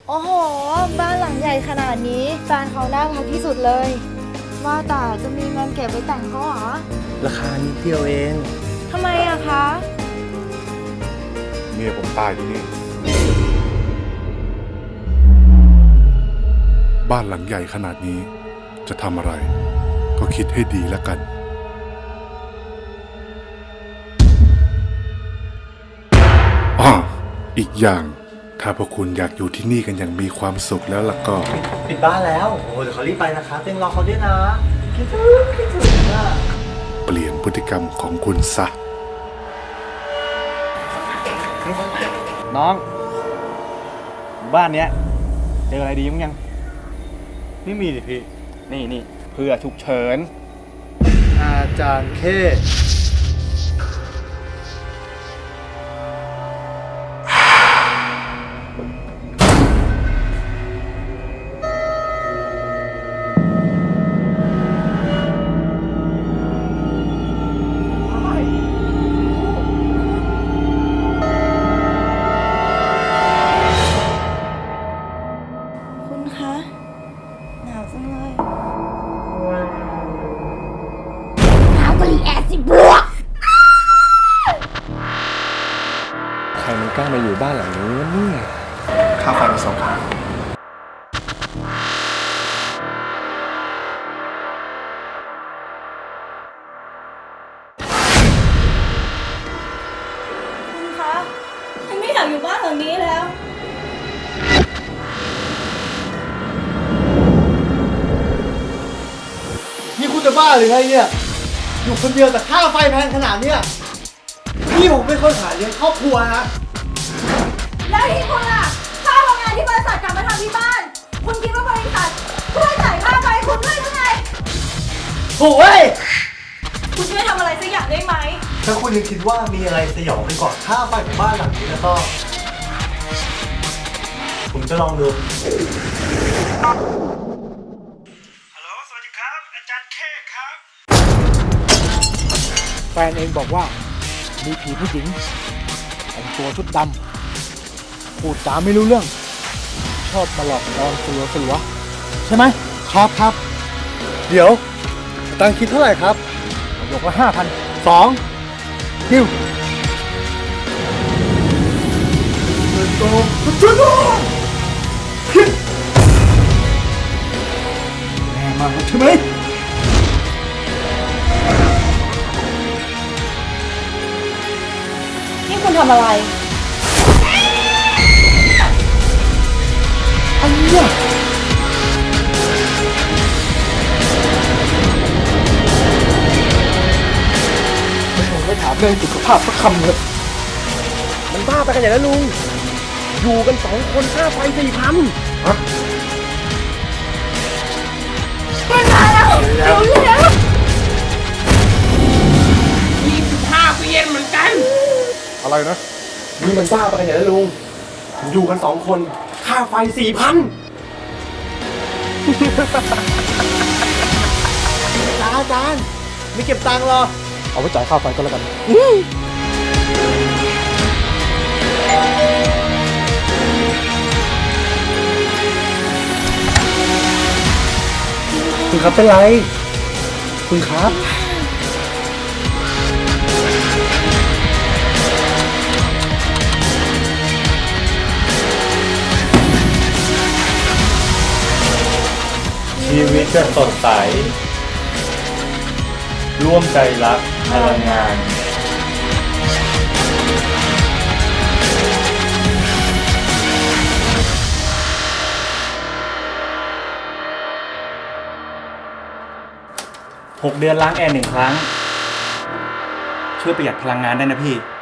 โอ้โหบ้านหลังใหญ่ขนาดนี้แฟนเขาน่ารักที่สุดเลยว่าแต่จะมีเงินเก็บไว้แต่งเขาเหรอราคานิดเดียวเองทำไมอะคะเมียผมตายที่นี่บ้านหลังใหญ่ขนาดนี้จะทำอะไรก็คิดให้ดีแล้วกันอีกอย่างถ้าพวกคุณอยากอยู่ที่นี่กันอย่างมีความสุขแล้วล่ะก็ปิดบ้านแล้วโอ้เดี๋ยวเขารีบไปนะครับเต็งรอเขาด้วยนะคิดถึงอะเปลี่ยนพฤติกรรมของคุณซะน้องบ้านเนี้ยเจออะไรดีมั้งยังไม่มีดิพี่นี่เพื่อฉุกเฉินอาจารย์เคคุณคะหนาวจังเลยหนาวกะลีแอซิบวกใครมันกล้ามาอยู่บ้านหลังนี้วะเนี่ยค่าไฟมา2,000 คุณคะฉันไม่อยากอยู่บ้านหลังนี้แล้วนี่คุณจะบ้าหรือไงเนี่ยอยู่คนเดียวแต่ค่าไฟแพงขนาดเนี้ยพี่ผมเป็นคนหาเลี้ยงครอบครัวนะแล้วที่คุณล่ะค่าทำงานที่บริษัทกลับมาทำที่บ้าน คุณคิดว่าบริษัทช่วยจ่ายค่าไฟคุณด้วยหรือไงโถ่เว้ยคุณช่วยทำอะไรสักอย่างได้ไหมถ้าคุณยังคิดว่ามีอะไรสยองไปกว่าค่าไฟของบ้านหลังนี้แล้วก็ผมจะลองดูฮัลโหลสวัสดีครับอาจารย์เคครับแฟนเองบอกว่ามีผีผู้หญิงแต่งตัวชุดดำพูดจาไม่รู้เรื่องชอบมาหลอกลวงสลัวใช่ไหมครับเดี๋ยวตังคิดเท่าไหร่ครับยกละ5,200ดิวแม่มาใช่ไหมนี่คุณทำอะไรอันเนี้ยผมไม่ถามเรื่องสุขภาพสักคำเลยมันบ้าไปกันอย่างนั้นลุงอยู่กัน2 คนค่าไฟ4,000ฮะไม่มาแล้วเร็ว 25 ปีเย็นเหมือนกันอะไรนะนี่มันบ้าไปกันอย่างนั้นลุงอยู่กัน2 คนค่าไฟ4,000 อาจารย์ไม่เก็บตังค์หรอเอาไว้จ่ายค่าไฟก็แล้วกันคุณครับเป็นไรคุณครับชีวิตจะสดใส ร่วมใจรักพลังงาน 6 เดือนล้างแอร์1 ครั้ง ช่วยประหยัดพลังงานได้นะพี่